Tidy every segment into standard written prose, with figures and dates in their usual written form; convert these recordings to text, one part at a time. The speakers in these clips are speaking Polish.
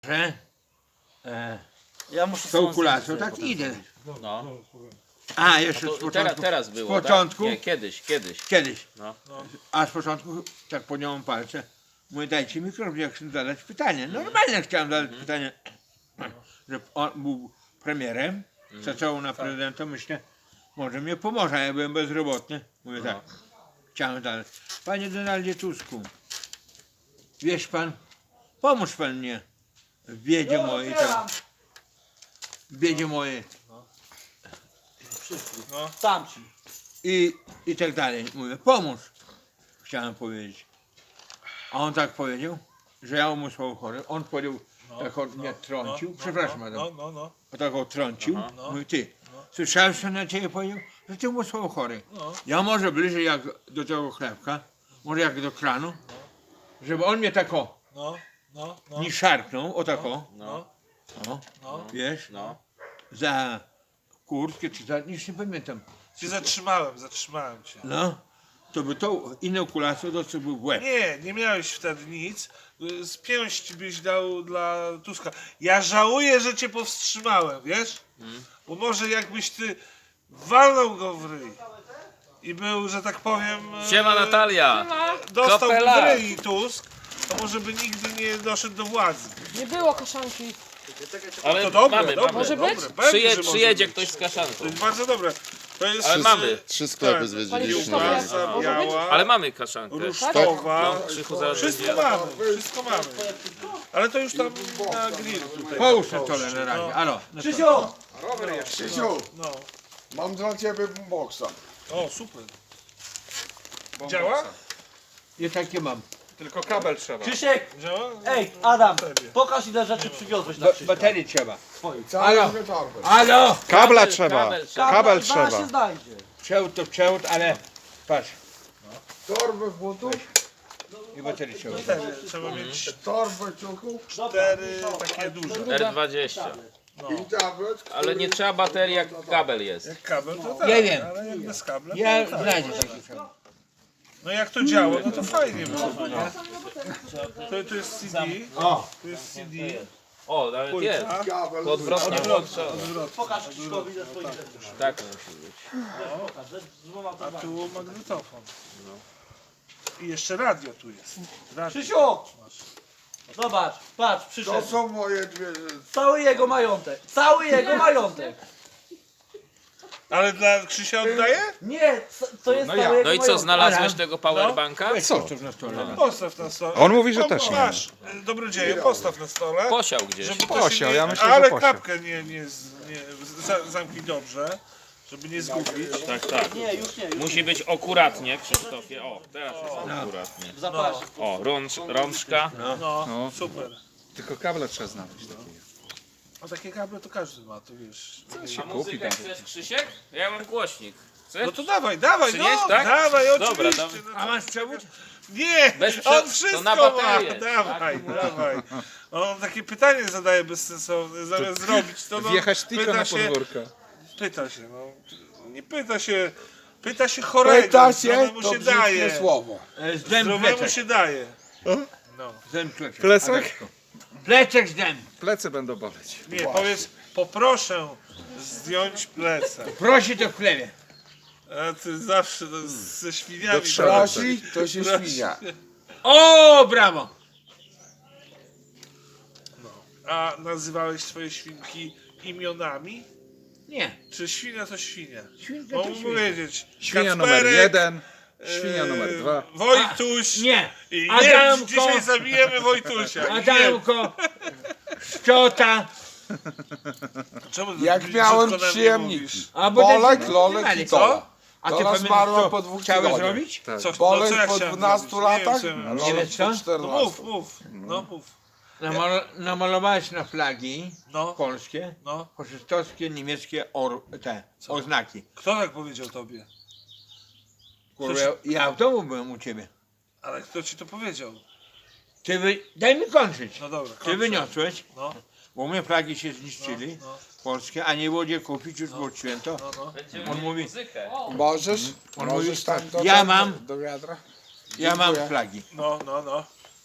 że Ja muszę z tą kulacją tak idę. No. A, jeszcze To z początku. teraz było, z początku? Tak? Nie, kiedyś. Kiedyś. No. A z początku tak podjąłem palce. Mówię, dajcie mikrofon, jak chcę zadać pytanie. Normalnie chciałem zadać pytanie, że on był premierem, zaczął na prezydenta, myślę, może mnie pomoże, ja byłem bezrobotny. Mówię tak, chciałem zadać. Panie Donaldzie Tusku, wiesz pan, pomóż pan mnie w biedzie mojej, tam, w biedzie mojej Sam ci. i tak dalej. Mówię, pomóż, chciałem powiedzieć. A on tak powiedział, że ja umysłowo chory. On powiedział, tak on mnie trącił, przepraszam, Adam, tak on trącił. Mówi, ty, słyszałeś, co na ciebie powiedział? Że ty umysłowo chory. Ja może bliżej jak do tego chlebka, może jak do kranu, żeby on mnie tak o, nie szarpnął, o tak o, wiesz, za kurtkę czy za, nic nie pamiętam. Cię zatrzymałem cię. No, to by tą inną kulacją dostałby w łeb. Nie miałeś wtedy nic. Z pięści byś dał dla Tuska. Ja żałuję, że cię powstrzymałem, wiesz? Bo może jakbyś ty walnął go w ryj i był, że tak powiem... Siema Natalia! Dostał Kopela. w ryj Tusk, to może by nigdy nie doszedł do władzy. Nie było kaszanki. Ale To dobre, mamy, dobre, Może dobre. być? Pewnie, że może Przyjedzie być. ktoś z kaszanką. To jest bardzo dobre. To jest Ale mamy. 3 sklepy Tak. zwiedziliśmy. Panie Kiełbasa Może biała, Ale mamy kaszankę. rusztowa. Krzychu zaraz Wszystko będzie. mamy, wszystko mamy. Ale to już tam na grill tutaj. Połóż na stole na razie, alo. na stole. Krzysiu! Krzysiu, No. mam dla ciebie boomboxa. O, super. Działa? I takie mam. Tylko kabel trzeba. Krzysiek! Działa? Ej, Adam! Pokaż ile rzeczy przywiozłeś na Krzyśka. Baterii trzeba. Całe dwie torby. Alo! Kabla trzeba. Kabel Kabel Zaraz trzeba. się znajdzie. Przewód to przewód, ale patrz. Torby butów, I baterii trzeba. Trzeba mieć torby ciuchów 4 takie duże. R20. i tablet. Ale nie trzeba baterii, jak kabel jest. Jak kabel to tak, Nie wiem. ale jak bez kabla Ja to tak. znajdę taki przewód. No jak to działa, no to fajnie było, nie? To jest CD, O! to jest CD, O, nawet jest. Kabel. To odwrotnie włączone. Pokaż Krzyśkowi ze swoich rzeczy. Tak musi być. Pokaż, że z dwoma a torbami. tu magnetofon. I jeszcze radio tu jest. Radio. Krzysiu! Zobacz, patrz, To przyszedł. są moje dwie... Cały jego majątek. Cały jego majątek. Ale dla Krzysia oddaję? Nie, to jest cały jego No i co, majątek. znalazłeś tego powerbanka? Weź postaw na stole. Postaw na stole. On mówi, że też nie. Masz, dobrodzieju, postaw na stole. Posiał gdzieś. Żeby to Posiał, się nie, ja myślę, że ale posiał. klapkę nie zamknij dobrze, żeby nie zgubić. Tak, tak. Nie, już nie, już Musi być akuratnie, Krzysztofie. O, teraz jest akuratnie. w zapasie. O, rączka. No, super. Tylko kable trzeba znaleźć. A takie kable to każdy ma, to wiesz. A muzykę chcesz, Krzysiek? Ja mam głośnik. Chcesz? No to dawaj, no, Przynieść, tak? dawaj, Dobra, oczywiście. dawaj. A masz przewód? Nie, Bez on to wszystko na ma, baterię. dawaj, dawaj. On takie pytanie zadaje bezsensowne, zamiast zrobić to, no, Wjechać tylko pyta na się, podwórko. pyta się, no, nie pyta się chorego, Pyta się, zdrowemu to się brzydkie daje, słowo. Zdem zdrowemu plecek. się daje. No, Zdem plecek. Plecak? Plecek zdem. Plecy będą boleć. nie, powiedz, poproszę zdjąć plecak. Prosi to w chlebie. A ty zawsze to ze świniami. Do trzeba. Prosi, to się świnia. O, brawo! A nazywałeś swoje świnki imionami? Nie. Czy świnia to świnia? Świnka Mogę to świnka. powiedzieć. Świnia numer Kacperek, 1, świnia numer 2. Wojtuś. Nie. I Adamko. nie, dzisiaj zabijemy Wojtusia. Adamko, Szczota, Czemu Jak tak miałem brzydko na mnie przyjemniki. mówisz? a bo Bolek, ten- Lolek i Tola. A ty Tola pamiętasz, zmarła co po 2 chciałeś tygodniach. zrobić? Co, Bolek co ja po chciałem 12 zrobić? Nie wiem, latach, co ja miałem. Nie Lolek wiesz co? po No 14. mów, no mów. Namalowałeś na flagi No, polskie, no. faszystowskie, niemieckie te oznaki. Kto tak powiedział tobie? Kurwa, ja w domu byłem u ciebie. Ale kto ci to powiedział? Daj mi kończyć. No dobra, Ty kończę. wyniosłeś, No, bo u mnie flagi się zniszczyli, no, polskie, a nie było gdzie kupić, już było święto. no, no. Będziemy On mieli mówi- muzykę. Możesz? On Możesz mówi, tam do, ja mam- do wiadra? Ja mam Dziękuję. flagi. No, no, no.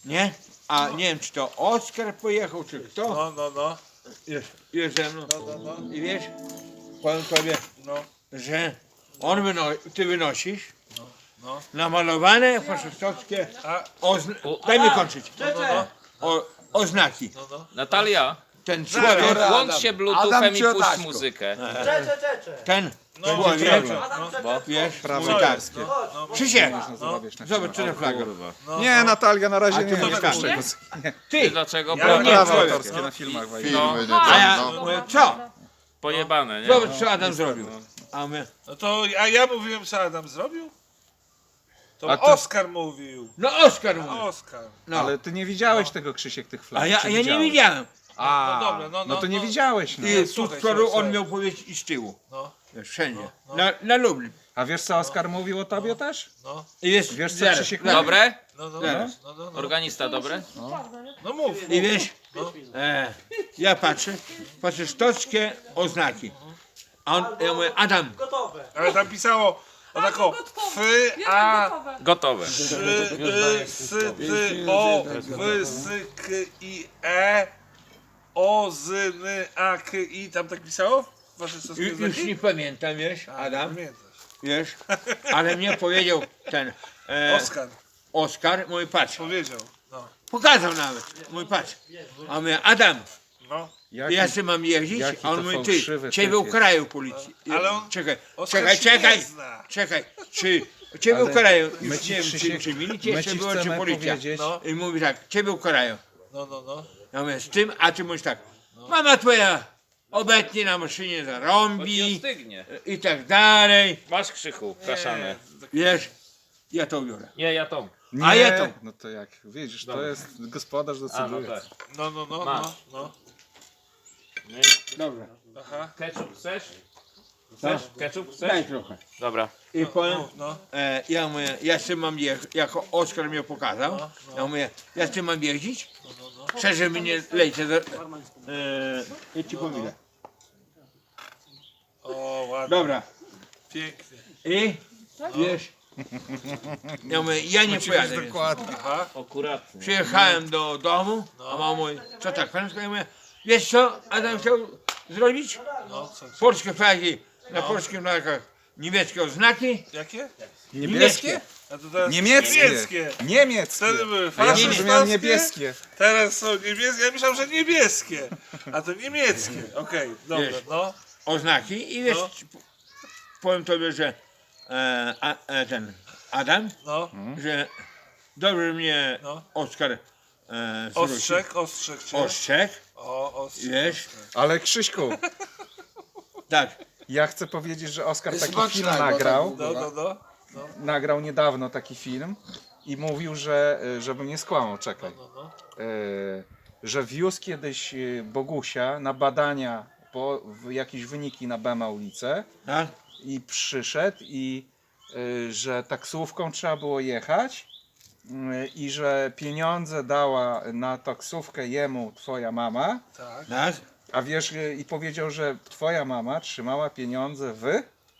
nie? A nie wiem, czy to Oskar pojechał, czy kto No. jest ze mną. No. I wiesz, powiem tobie, No. że ty wynosisz No. namalowane faszystowskie A, daj mi kończyć. Czecze! Oznaki. no. Natalia, Ten człowiek, włącz się Adam bluetoothem i ci puść otaczko. muzykę. Czecze! ten No, człowiek, Adam, Bo? wiesz, Prawo mówi tak. literskie. No. Krzysiek, Można zarabiać na zobacz, co na flaga. Nie, Natalia, na razie A nie. ty Nie, tak nie. Ty, Dlaczego? Ja Bo nie, Prawa człowiek. autorskie na filmach wejdą. Filmy, a ja no. mówię, co? pojebane, nie? Zobacz, co Adam zrobił. A my, No to, a ja mówiłem, co Adam zrobił? To A ty- Oskar mówił. no Oskar mówi. Oskar. No. Ale ty nie widziałeś tego, Krzysiek, tych flag. A ja czy nie widziałeś? widziałem. A, No dobra, no to nie widziałeś. No. I tu słuchaj, z przodu słuchaj. on miał powiedzieć i z tyłu. No, Wiesz, wszędzie. No. Na Lublin. A wiesz, co Oskar mówił o tobie też? no, I jest, Wiesz, co zaraz, Krzysiek zaraz. Dobre? no. Zaraz. No. Organista, dobre? No mów. I wiesz, No. ja patrzę, faszystowskie oznaki. A on, ja mówię, Adam, Gotowe. Ale tam pisało o tako Gotowe. O, W, S, K, I, E, O, Z, N, A, K, I. Tam tak pisało? Wasze stosowne już znaki? nie pamiętam, wiesz, Adam, Pamiętasz. wiesz, ale mnie powiedział ten Oskar Oskar, mój patrz, powiedział. No. pokazał nawet, mój patrz. A mówię, Adam, No. ja sobie mam jeździć, jaki a on to mówi, fałszywy ty, ciebie typ jest. ukarają policji. Ale on- Czekaj, Oskar czekaj, się czekaj, nie zna. czekaj, czy ciebie Ale ukarają, my już ci, nie wiem, Krzysiek, czy my milicja jeszcze ci była, czy chcemy policja. powiedzieć, No. I mówi tak, ciebie ukarają. No. Ja mówię, z tym, a ty mówisz tak, mama twoja obecnie na maszynie Bo ci zarąbi ostygnie. i tak dalej, Masz Krzychu, kaszanę. wiesz, ja to biorę. Nie, ja tą. nie, A ja to- no to jak, widzisz, to jest gospodarz A, no decyduje. tak. No. Masz. No. Dobra, Aha. Ketchup chcesz? co? Ketchup Daj chcesz? trochę. Dobra. I powiem, No. ja mówię, ja z tym mam jechać, jako Oskar mnie pokazał, ja mówię, ja z tym mam jeździć, szczerze mi nie lejcie, ja ci pomogę. O, ładnie. Dobra, Pięknie. i wiesz, ja mówię, ja nie pojadę, więc. Dokładnie. Aha. Akuratnie. Przyjechałem do domu, a mama mówi, co tak, prędko? Ja mówię, wiesz co Adam chciał zrobić? No, co? Polskie flagi, na polskich flagach niemieckie oznaki, Jakie? Niebieskie? A to teraz Niemieckie. Niemieckie. Niemieckie. Wtedy były A ja faszystowskie, zrozumiałem niebieskie. teraz są niebieskie. Ja myślałem, że niebieskie, a to niemieckie. Okej, dobra, Wiesz. no. oznaki i wiesz, No. powiem tobie, że ten Adam, No, że dobrze mnie No. Oskar zwrócił. ostrzeg cię. Ostrzegł, Ostrzeg. wiesz, Ale Krzyśku, tak, ja chcę powiedzieć, że Oskar taki Smacznego, film tak nagrał. było. No. Nagrał niedawno taki film i mówił, że, żebym nie skłamał, czekaj, że wiózł kiedyś Bogusia na badania po jakieś wyniki na Bema ulicę tak, i przyszedł i że taksówką trzeba było jechać i że pieniądze dała na taksówkę jemu twoja mama, Tak. tak, a wiesz, i powiedział, że twoja mama trzymała pieniądze w...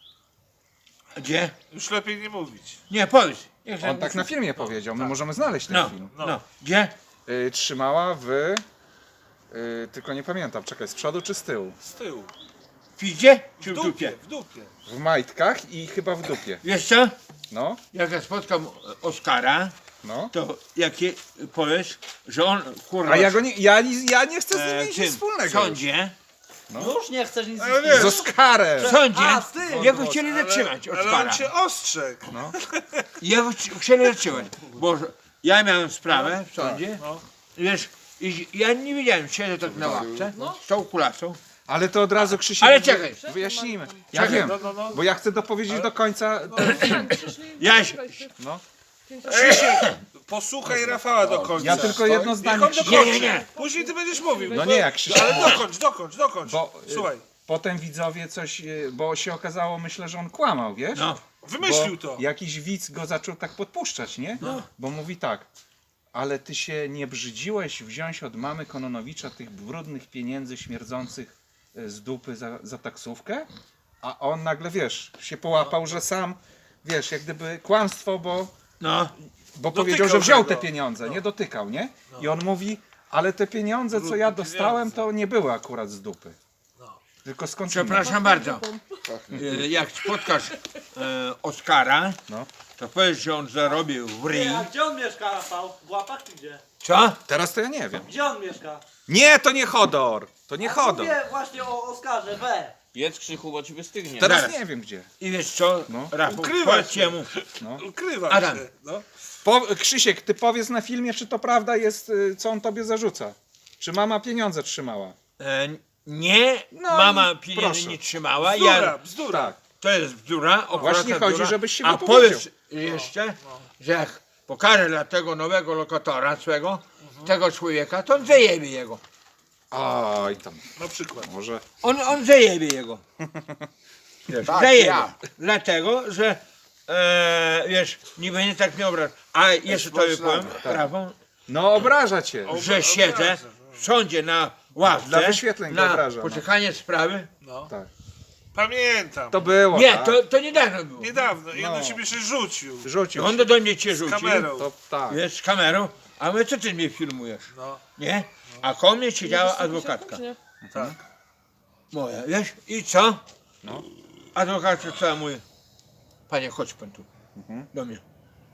gdzie? Już lepiej nie mówić. Nie, powiedz. Niech On tak na filmie powiedział, my możemy znaleźć ten No, film. no, gdzie? Trzymała w... tylko nie pamiętam, czekaj, z przodu czy z tyłu? Z tyłu. W piździe czy W w dupie? dupie, w dupie. W majtkach i chyba w dupie. Wiesz co? No, Jak ja spotkam Oskara, no. to jakie powiesz, że on kurwa A ja go nie, ja nie chcę z nim mieć tym, nic w wspólnego. sądzie, Już nie chcesz nic Ale wiesz, Z Oskarem! w sądzie A, z tym. jego chcieli zatrzymać ale Oskara. on cię ostrzegł. No. Jego chcieli zatrzymać, bo ja miałem sprawę w sądzie, No. wiesz, i ja nie wiedziałem, siedzę tak na ławce z tą kulasą, Ale to od razu Krzysiek... ale czekaj, Wyjaśnijmy. Ja Czekaj. wiem, No. bo ja chcę dopowiedzieć do końca ten film. Jaś, No. Posłuchaj Rafała do końca. Ja tylko jedno Niech zdanie, on Krzysiek. Nie, dokończy. nie, nie. Później ty będziesz mówił. No nie, jak Krzysiek. Ale dokończ. Bo Słuchaj, potem widzowie coś, bo się okazało, myślę, że on kłamał, wiesz? no, wymyślił Bo to. jakiś widz go zaczął tak podpuszczać, nie? Bo mówi tak, ale ty się nie brzydziłeś wziąć od mamy Kononowicza tych brudnych pieniędzy śmierdzących z dupy za taksówkę? A on nagle, wiesz, się połapał, że sam, wiesz, jak gdyby kłamstwo, bo no, bo Dotykał powiedział, że wziął tego. te pieniądze, nie dotykał, nie? I on mówi, ale te pieniądze, co ja Brudne dostałem, pieniądze. to nie były akurat z dupy. Tylko skąd Przepraszam bardzo. Jak spotkasz Oskara, No. to powiedz, że on zarobił w ryj. A gdzie on mieszka, Rafał? W Łapach czy gdzie? Co? Teraz to ja nie wiem. Gdzie on mieszka? Nie, to nie Hodor! To nie Hodor. Mówię właśnie o Oskarze, we. Jedz Krzychu, bo ci wystygnie. Teraz Zaraz. nie wiem gdzie. I wiesz co, No. Rafał, Ukrywa powiedz się. jemu. Ukrywa Adam. się. No. Krzysiek, ty powiedz na filmie, czy to prawda jest, co on tobie zarzuca. Czy mama pieniądze trzymała? Nie, No mama i pieniędzy proszę. nie trzymała. Bzdura, bzdura. Tak. To jest bzdura. Właśnie chodzi, bzdura. żebyś się A wypowiedział. powiedz jeszcze, że jak pokażę dla tego nowego lokatora swego, tego człowieka, to on zajebie jego. Oj, tam, Na przykład. może... On zajebie jego. Wiesz, Tak, zajebie. ja. Dlatego, że wiesz, nie będzie tak mnie obrażał. A jeszcze tobie powiem, Rafał, No obraża cię. że siedzę w sądzie na ławce Dla wyświetleń go na obraża, no. poczekanie sprawy. No. Tak. Pamiętam. To było, Nie, tak? to niedawno było. Niedawno. I on No. do ciebie się rzucił. Rzucił On się. do mnie cię Z rzucił, kamerą. To tak. wiesz, z kamerą, a my co ty mnie filmujesz, No. nie? A koło mnie siedziała adwokatka Tak. moja, wiesz? I co? No. Adwokatka co mówi, panie chodź pan tu, Mhm. do mnie.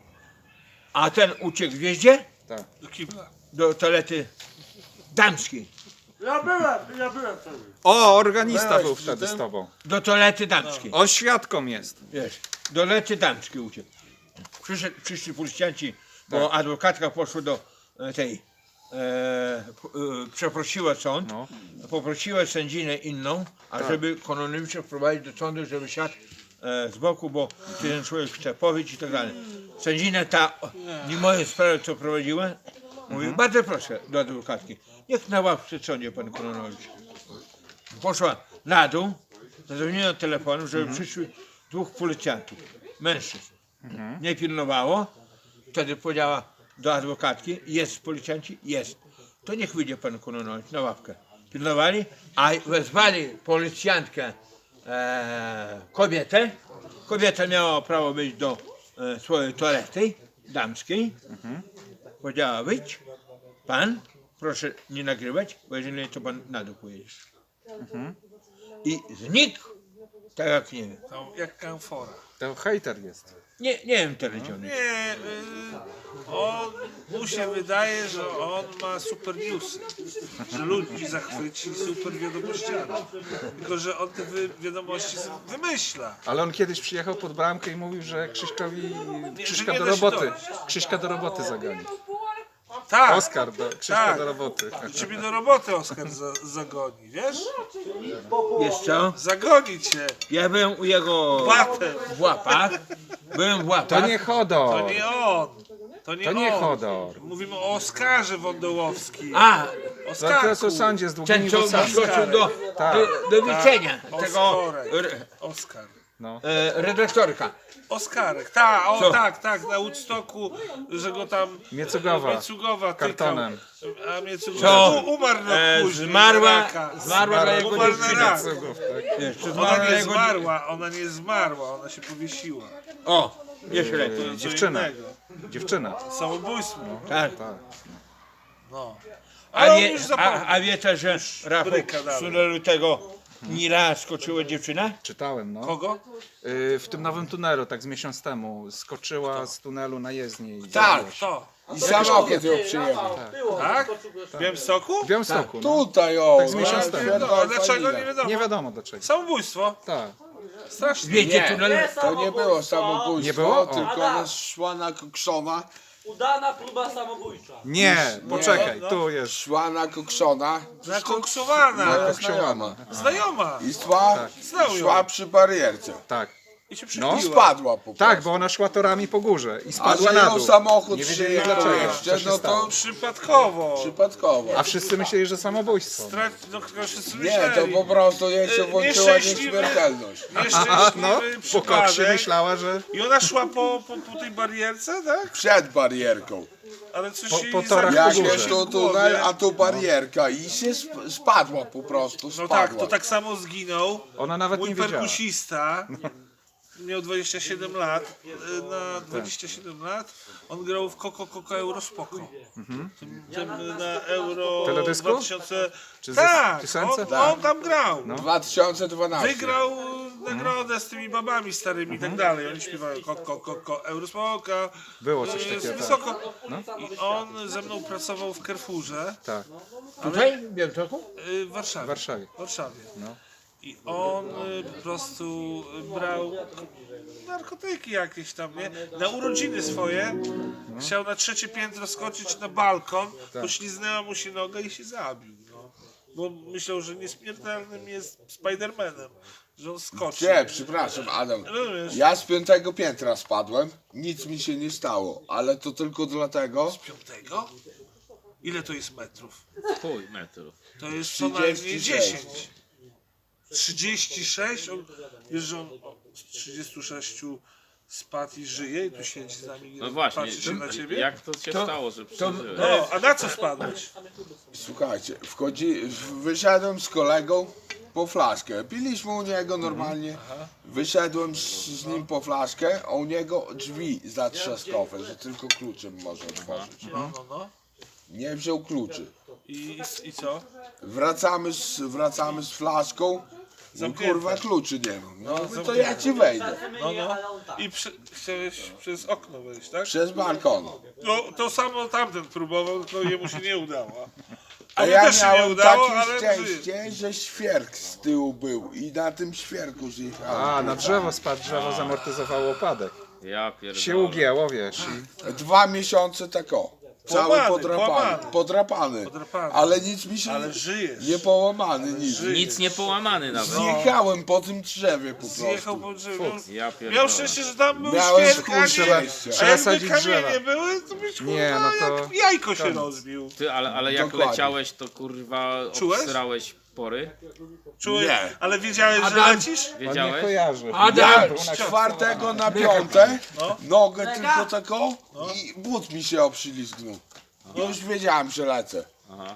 A ten uciekł, wiesz gdzie? Tak. Do kibla. Do toalety damskiej. Ja byłem wtedy. O, organista Byłeś był przy wtedy tym? z tobą. Do toalety damskiej, On świadką jest. wiesz? Do toalety damskiej uciekł. Przyszli policjanci, bo adwokatka poszła do tej, przeprosiła sąd, No. poprosiła sędzinę inną, żeby Kononowicza wprowadzić do sądu, żeby siadł z boku, bo ten człowiek chce powiedzieć i tak dalej. Sędzina ta, nie moje sprawy co prowadziła, mówi, bardzo proszę do adwokatki, niech na ławce sądzie pan Kononowicz. Poszła na dół, zadzwoniła telefonem, żeby przyszły dwóch policjantów, mężczyzn. Nie pilnowało, wtedy powiedziała do adwokatki, jest policjanci? Jest. To niech wyjdzie pan Kononowicz na ławkę. Pilnowali, a wezwali policjantkę kobietę. Kobieta miała prawo wyjść do swojej toalety damskiej. Powiedziała, wyjdź, pan, proszę nie nagrywać, bo jeżeli nie, to pan na dół pojedziesz. I znikł, tak jak nie wiem. Tam jak kamfora. To hejter jest. Nie wiem teraz gdzie on jest. Nie, mu się wydaje, że on ma super newsy. Że ludzi zachwyci super wiadomościami. Tylko, że on te wiadomości wymyśla. Ale on kiedyś przyjechał pod bramkę i mówił, że Krzyśka nie do da się roboty. dojść. Krzyśka do roboty zagoni. Tak, Oskar do Krzyśka Tak. do roboty. ciebie do roboty Oskar zagoni, wiesz? Wiesz co? Zagoni cię. Ja byłem u jego Batem. w łapach. Byłem w łapach. To nie Hodor. To nie on. To nie, To nie on. Hodor. Mówimy o Oskarze Wądołowskim. A, To co sądzie z długimi ten co włosami. wyskoczył Tak. do widzenia tego Oskarek. Oskar. No. redaktorka. Oskarek, Co? tak, na Woodstocku, że go tam Miecugowa. Miecugowa Kartonem. tykał. A Miecugowa Co? umarł rok później. Zmarła na raka. na jego Umarł na dziewczyna. rak. Wiesz, to Ona zmarła na nie jego zmarła, ona nie zmarła, ona się powiesiła. O, jeszcze lepiej. Co Dziewczyna. innego. Dziewczyna. Samobójstwo. Tak. Tak. No. A, Ale on wie, już zapomniał. a wiecie, że Rafał bryka dalej. z tunelu tego Nila skoczyła dziewczyna? Czytałem, no. Kogo? W tym nowym tunelu, tak z miesiąc temu, skoczyła z tunelu na jezdnię. I Tak. Kto? I samochód ją przyjechał. Tak? W Białymstoku? W Białymstoku, no. Tutaj o, Tak z miesiąc temu. A dlaczego nie wiadomo? Nie wiadomo dlaczego. Samobójstwo? Tak. Strasznie. Wiecie, Nie. tunel... To nie było samobójstwo, Nie było? O. tylko Adam. ona szła na kokszona, Udana próba samobójcza. Nie, poczekaj, no. tu jest. szła na kokszona, Zakoksowana. moja znajoma. Znajoma. I szła, Znał ją. szła przy barierce. Tak. I się I przybiła. spadła po prostu. Tak, bo ona szła torami po górze i A spadła że na ją dół. samochód Nie wiedzieli przyjechał dlaczego. jeszcze, Co się no stało. to Przypadkowo. przypadkowo. A wszyscy myśleli, że samobójstwo. No, wszyscy Nie, to myśleli. po prostu jej się włączyła nieszczęśliwy- nieśmiertelność. A, Nieszczęśliwy no, po koksie przypadek. myślała, że I ona szła po tej barierce, tak? Przed barierką. Ale coś Po- jej po torach Jak po górze. jest tu tunel, a tu barierka i się spadła po prostu, No spadła. tak, to tak samo zginął ona nawet mój nie wiedziała. perkusista. miał 27 lat, na 27 lat on grał w Coco Eurospoko. Tym na Euro Teledysku? 2000. Czy Tak, piosence? on tam grał. 2012. Wygrał nagrodę z tymi babami starymi i tak dalej. Oni śpiewają Coco Eurospoka. Było coś Jest takiego. Tak. wysoko. I on ze mną pracował w Carrefourze Tak, Tutaj? W Białymstoku? w Warszawie. w Warszawie. W Warszawie. No. I on po prostu brał narkotyki jakieś tam, nie? Na urodziny swoje chciał na 3. piętro skoczyć na balkon, pośliznęła mu się noga i się zabił. No. Bo myślał, że nieśmiertelnym jest Spidermanem, że on skoczy. Nie, przepraszam, Adam. Rozumiesz? Ja z 5. piętra spadłem, nic mi się nie stało, ale to tylko dlatego, 5? Ile to jest metrów? Chuj metrów. To jest co najmniej 36. 10. 36? Wiesz, że on z 36 spadł i żyje i tu siedzi z nami No właśnie, patrzy się na ciebie? jak to się stało, że przeżyłeś? No, a na co spadłeś? słuchajcie, wyszedłem z kolegą po flaszkę, piliśmy u niego normalnie, wyszedłem z nim po flaszkę, a u niego drzwi zatrzaskowe, że tylko kluczem może otworzyć. No. Nie wziął kluczy. I co? Wracamy z flaszką, no Zamknięte. kurwa kluczy nie mam. No mówię, to ja ci wejdę. No. I chciałeś przez okno wejść, tak? Przez balkon. No, to samo tamten próbował, tylko jemu się nie udało. A Tobie ja też się nie miałem udało, takie ale szczęście, że świerk z tyłu był i na tym świerku zjechałem. A, na drzewo spadł, drzewo zamortyzowało upadek. Ja pierdolę. Się ugięło, wiesz. 2 miesiące tak o. Cały Połamany. podrapany. Ale nic mi się Ale żyjesz. nie połamany, nic. Nic nie połamany nawet. Zjechałem po tym drzewie po Zjechał prostu. po drzewie. Ja pierdolę. Miał szczęście, że tam był Miałem świerk, a szczęście. nie... Trzeba A jakby sadzić drzewa. kamienie były, to byś kurwa Nie, no to jak jajko się koniec. rozbił. Ty, ale jak Dokładnie. leciałeś, to kurwa Czułeś? obsrałeś pory? Czułeś? Nie. Ale wiedziałeś, że Adam. lecisz? On nie Wiedziałeś? kojarzy. Ja Był na z 4 na 5 No. nogę tylko taką i but mi się obślizgnął. Już wiedziałem, że lecę. Aha.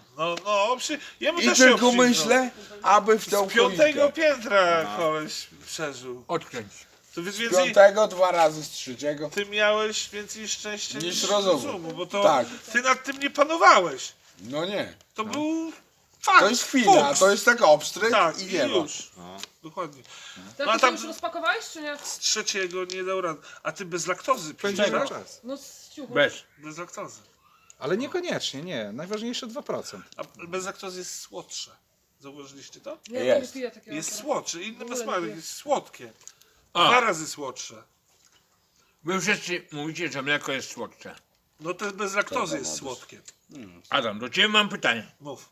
Jemu I też się tylko obślizgnął. myślę, aby w tą Z 5. choinkę. piętra koleś przeżył. Odkręć. To więc Z więcej... 5 2 razy z 3. Ty miałeś więcej szczęścia Niż niż rozumu. rozumu, bo to Tak. ty nad tym nie panowałeś. No nie. To był fakt. To jest chwila, fuks. to jest tak obstryk Tak, i i nie ma. już. Dokładnie. To No a ty tam- już rozpakowałeś, czy nie? Z 3. nie dał rady. A ty bez laktozy pijesz, Będzie tak? czas. No z ciuchu. Bez. Bez laktozy. Ale niekoniecznie, nie. Najważniejsze 2%. A bez laktozy jest słodsze. Zauważyliście to? Nie, Jest. nie piję takiego. Jest słodsze, inny W ogóle smak, nie. jest słodkie. A. 2 razy słodsze. Wy wszyscy mówicie, że mleko jest słodsze. No to bez laktozy jest słodkie. Adam, do ciebie mam pytanie. Mów.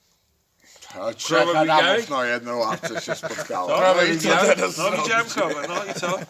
A 3 Krowę Adamów widziałeś? na jednej łapce się spotkało. Krowę No i co widziałeś? teraz No zrobić? widziałem krowę, no i co?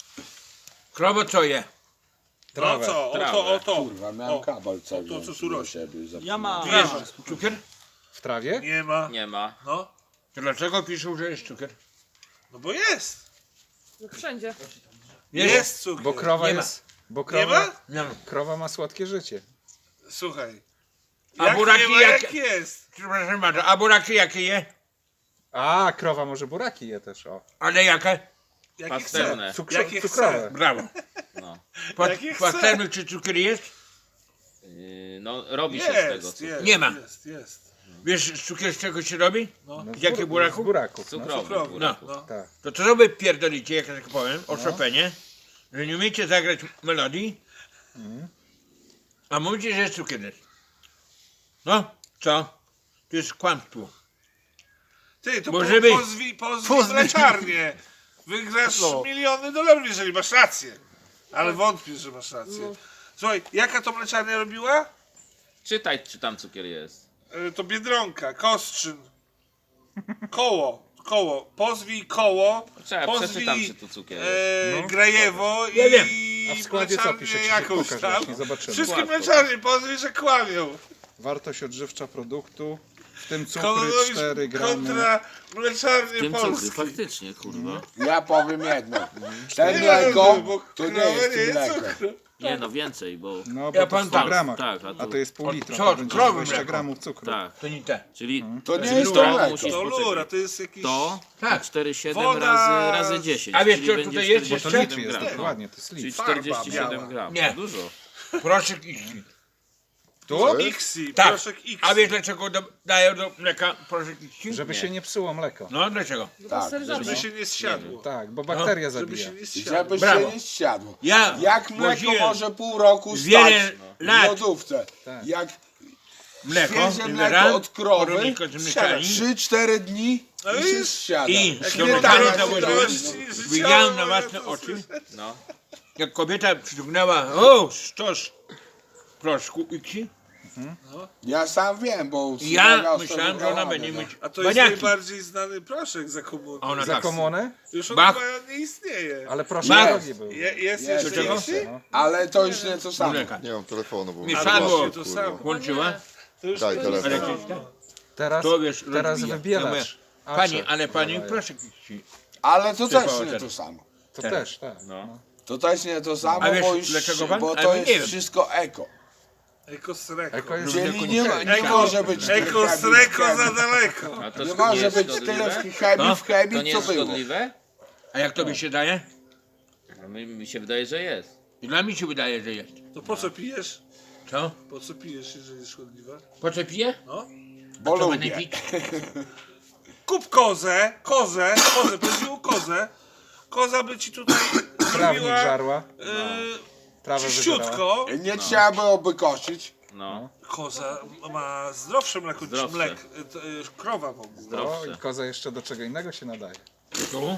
Krowo co je? No Trawę. co? Trawę. O to. Kurwa, miałem O. kabel cały to, co wziąć tu do rośnie. siebie i zapomniałem. Ja mam. Wiesz, Cukier? W trawie? nie ma. Nie ma. No, To dlaczego piszą, że jest cukier? no bo jest. No wszędzie. Jest cukier. Bo krowa Nie ma. jest... Bo Nie krowa, ma? Nie ma. krowa ma słodkie życie. Słuchaj. A Jak buraki nie ma, jak- jak jest. Przepraszam bardzo, a buraki jakie je? A, krowa może buraki je też, o. Ale jakie? Jakie chce. Pastewne. Jakie Cukrowe. Brawo. No. Płatnerny Jakie chce. czy cukier jest? No robi się z tego Jest, cukru. jest. Nie ma. Jest. Wiesz cukier z czego się robi? No, Z jakiego buraku? Z buraków, no. Cukrowy. Cukrowy. burak. No. Tak. To co wy pierdolicie, jak ja tak powiem, o Chopinie, że nie umiecie zagrać melodii, a mówicie, że jest cukier. No, co? To jest kłamstwo. Ty, to Bo żeby- pozwij mleczarnię. Wygrasz miliony dolarów, jeżeli masz rację. Ale wątpię, że masz rację. Słuchaj, jaka to mleczarnia robiła? Czytaj, czy tam cukier jest. To Biedronka, Kostrzyn, Koło, pozwij Koło, Czekaj, przeczytam, czy tu cukier jest. Grajewo Ja wiem. i A w składzie co mleczarnię pisze? Ci jakąś pokaż tam. właśnie, zobaczymy. Wszystkie Łatwo. mleczarnie pozwij, że kłamią. Wartość odżywcza produktu w tym cukry Kononowicz 4 gramy. kontra mleczarnie Tym cukry, polskie. faktycznie, kurwa. Ja powiem jedno. Nie Ten no, mleko bo to nie krowa jest mleko. cukru. Nie no, więcej, bo... No bo Ja to w powiem 100 tak. gramach. Tak, A to jest pół litra, co, to będzie krowy 20 mleko. gramów cukru. Tak, To nie te. czyli... To nie czyli jest to mleko. musisz To poczekać. lura, to jest jakiś... To Tak. 4,7 Woda razy 10. A wiesz, czyli co będzie tutaj jest? Bo to 47 litr jest, gram. dokładnie, to jest Czyli litr. Farba 47 biała. gram. Nie. To dużo. Proszek X. Tu? Ixi, Tak. proszek Ixi. A wiesz dlaczego dają do mleka proszek X? Żeby się nie psuło mleko. No dlaczego? Tak. Żeby się nie zsiadło. Tak, bo bakteria Żeby zabija. się nie zsiadło. Żeby Brawo. się nie zsiadło. Ja Jak mleko woziłem może pół roku wiele stać w lat lodówce? Tak. Jak mleko, świeże mleko wybieram od krowy, porodnika z mleczarni 3-4 dni No i i się już. zsiada. i do Śmietana mleczarni się założyłem. robi. Widziałem na własne oczy, No. jak kobieta przyciągnęła stos proszku X. Ja sam wiem, bo Ja wspomagał myślałem, że ona stosowanie, będzie no. mieć A to jest baniaki. najbardziej znany proszek za komuny. A ona Za tak. komunę? Już on Bach. chyba nie istnieje. Ale proszę, Bach. drogi był. Jest Jest, jeszcze jest. Ixi? No. Ale to już nie to samo. Mleka. Nie mam telefonu, bo Mieszadło właśnie to samo. włączyła. To już Daj to telefon. Elektryczna. Teraz, To wiesz, teraz rozbija. wybielacz. A, Pani, czy- ale pani dawaj. proszek X. Ale to też Przypał nie ten. to samo. To teraz. też, tak. No. To też nie to samo, A wiesz, bo, już, dlaczego pan? bo Ale to nie jest wiem. wszystko eko. Ekosreko. Eko jest Czyli nie, ma, nie Eko- może być tyle chemii w Ekosreko chemii. za daleko. A to Nie nie może jest być tyle szkodliwe? chemii No. w To chemii, nie co jest było. szkodliwe? A jak tobie się daje? A mi się wydaje, że jest. I dla mnie się wydaje, że jest. To po co pijesz? Co? Po co pijesz, jeżeli jest szkodliwe? Po co piję? No. Bo Co będę lubię. pić? Kup kozę, powiedział kozę. Koza by ci tutaj Trawnik zrobiła żarła, trawę wybierała. czyściutko. Nie trzeba byłoby kosić. No. Koza ma zdrowsze mleko niż Zdrowsze. krowa w ogóle. O, Zdrowsze. i koza jeszcze do czego innego się nadaje. Tu?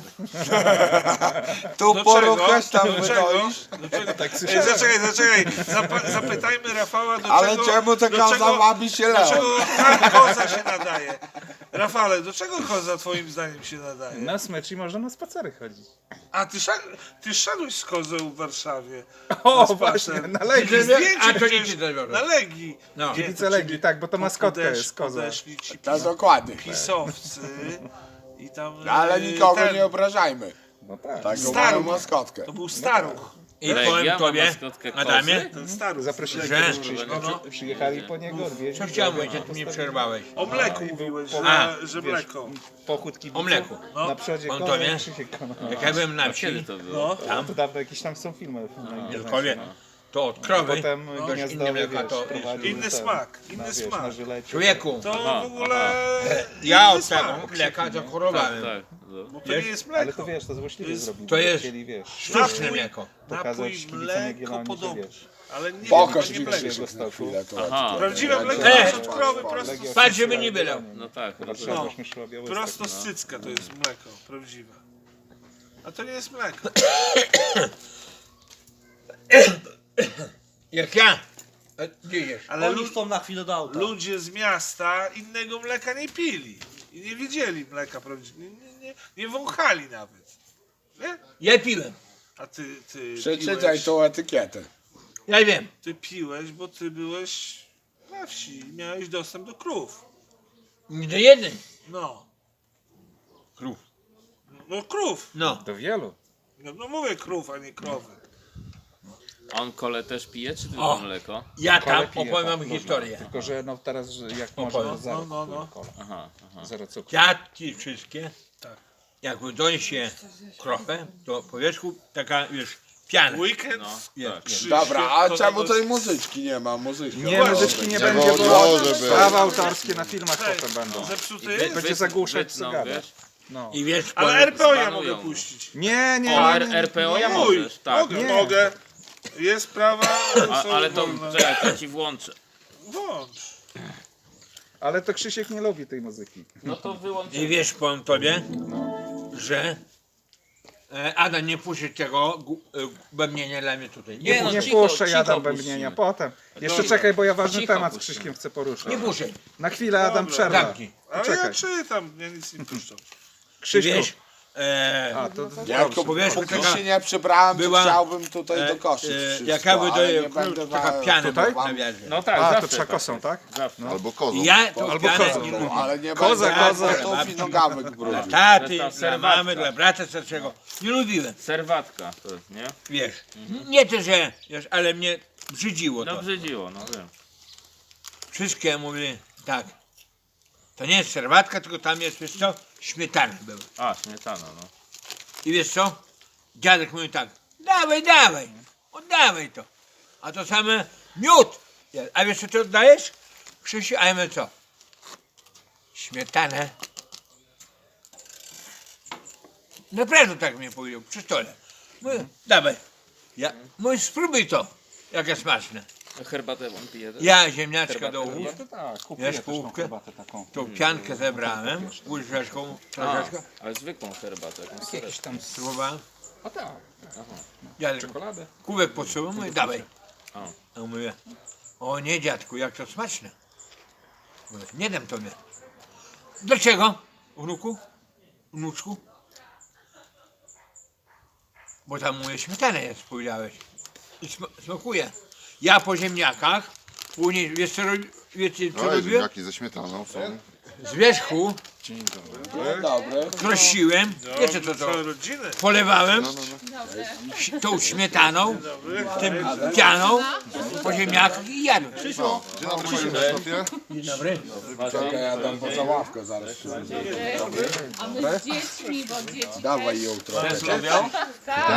Tu Do poruchasz, czego? tam Do czego? wydoisz. Do czego? Tak Ej, słyszałem. zaczekaj. Zapytajmy Rafała, do Ale czego... czemu ta do koza czego- wabi się Do leon? czego koza się nadaje? Rafale, do czego koza twoim zdaniem się nadaje? Na smycz i można na spacery chodzić. A ty szedłeś z kozą w Warszawie. O, spacer. właśnie, na Legii. Że- Zdjęcie A to przecież nie ci zabiorę. na Legii. No. Gdzie Kibice to Legii, ciebie tak, bo to maskotka podesz- jest koza. Podeszli ci Tak, dokładnie. pisowcy i tam... Ale nikogo ten, nie obrażajmy. No tak. Taką Staruch. mają maskotkę. To był staruch. I Legia powiem ma tobie, maskotkę kozy? Adamie, Ten staruch. Zaprosili Że- go Krzyśka. no. Przyjechali po niego, odwiedzić. co chciałem go, powiedzieć, jak mnie przerwałeś? O mleku i był mówiłeś, po- że wiesz, mleko. Pochód kibiców. O mleku. Na przodzie On konia, to wie? Krzysiek Kona. Jak ja byłem na Kiedy wsi, to było? No. Tam to dawno jakieś tam są filmy. na internecie, Wielkowie, no. to od krowy, Potem dość inne gniazdowy, mleka, wiesz, to prowadził Inny ten, smak, na, inny wiesz, smak. na żylecie. człowieku, To Aha, w ogóle... ja inny od tego smak. mleka zachorowałem. Tak. No. Bo to Wiesz? nie jest Ale mleko. to wiesz, to złośliwie jest- zrobili. to bo jest- Chcieli, wiesz, Sztuczne mleko. pokazać Napój kibicom mleko Jagiellonii, że podobny. wiesz. Ale nie, Pokaż to nie mi mleko. Krzysiek na stoku. chwilę. To Aha. Prawdziwe mleko Ej! jest od krowy prosto, Legia Patrz, Ostrowska, żeby nie byle. Jagiellonii. No tak. Warszawa, No. Śmieszła, Białystok. prosto z cycka to jest mleko, prawdziwe. A to nie jest mleko. Jak ja, gdzie idziesz? Ale Oni chcą na chwilę do auta. ludzie z miasta innego mleka nie pili. I nie wiedzieli mleka prawdziwego. Nie wąchali nawet. Nie? Ja piłem, A ty Przeczytaj tą etykietę. ja wiem. Ty piłeś, bo ty byłeś na wsi i miałeś dostęp do krów. Nie do jednej. No. Krów. No krów. No. Do wielu. No mówię krów, a nie krowy. A on kole też pije, czy tylko O. mleko? Ja Kole tam pije, opowiem tak, wam można. historię. Tylko, że no teraz, że jak można, to zero. no. Kola. Aha, aha. Zero cukru. Dziadki wszystkie, Tak. jak wydonie się krowę, to po wierzchu taka, wiesz, piana. Weekend. No, Jest, tak. jest. Dobra, a To czemu tego- tej muzyczki nie ma? Muzyczka. Nie, była. muzyczki nie Żeby będzie, od bo może być. prawa autorskie na filmach Cześć. potem będą. Zepsuty Wy- jest? Będzie zagłuszać, wytną, co gada. wiesz? No. I wiesz, Ale powiem- RPO ja Zbanują mogę go. puścić. Nie, nie, O, nie, nie. RPO ja Mój. możesz, tak. Mogę, Nie. mogę. Jest prawa. są Ale to, wolne. czekaj, to ci włączę. Włącz. Ale to Krzysiek nie lubi tej muzyki. No to wyłączę. I wiesz, powiem tobie, że Adam nie puści tego bębnienia dla mnie tutaj. Nie, Nie, no, Nie cicho, puszczę, cicho jadam puścimy. bębnienia Dobra. potem. Jeszcze czekaj, bo ja ważny Cicho temat z puścimy. Krzyśkiem chcę poruszyć. nie puszczaj. Na chwilę Adam Dobra. przerwa. Zamknij. Ale Czekaj. ja czytam, ja nic nie puszczam. I Krzyśku, wiesz, A, to Jak powierzchnia póki taka się nie przebrałem, to była, chciałbym tutaj dokoszyć wszystko, jaka by ale nie to będę taka piana Tutaj? była na wiadrze. No tak, A, to zawsze przekosą, jest. tak? Zawsze. Albo kozą. I ja tą Albo pianę kozą. nie lubię. ale nie Koza, będę koza. kotów i nogawek Dla brudził. taty, To jest ta dla serwatka. mamy, dla brata starszego. Nie lubiłem, Serwatka to jest, nie? wiesz. Nie to, że, wiesz, ale mnie brzydziło No to. brzydziło, no wiem. Wszystkie mówili tak. To nie jest serwatka, tylko tam jest, wiesz co, śmietana była. A, śmietana, no. I wiesz co? Dziadek mówi tak, dawaj, dawaj, oddawaj to. A to same miód. A wiesz co ty oddajesz? Krzysiu, a ja mówię co? Śmietanę. Naprawdę tak mi powiedział, przy stole. Mówię, dawaj. Ja, mówię, spróbuj to, jakie smaczne. Herbatę wam pije też? Ja ziemniaczka Herbatę do ust, To tak, kupuję Wiesz, też tą połówkę? herbatę taką. tą piankę zebrałem, łyżeczką, troszeczkę, Ale zwykłą herbatę, jakąś Jakiś tam... spróbowałem. O tak, Dziadek, czekoladę. kubek podsuwał, mówię, dawaj. O. A on mówi, o nie dziadku, jak to smaczne. Mówię, nie dam tobie. Dlaczego, wnuku? Wnuczku? Bo tam mówię, śmietanę jest, powiedziałeś. I smakuje. Ja po ziemniakach, później, wiecie co No, robiłem? ziemniaki ze śmietaną są. Z wierzchu Dzień dobry. krosiłem, wiecie co to? Całą rodzinę. Polewałem No, no, no. tą śmietaną, tym pianą, po ziemniakach i jadłem. Dzień dobry, panie Krzysztofie. Dzień dobry. Czekaj, ja dam poza ławkę zaraz. A my z dziećmi, bo dzieci Dawaj ją trochę. tak.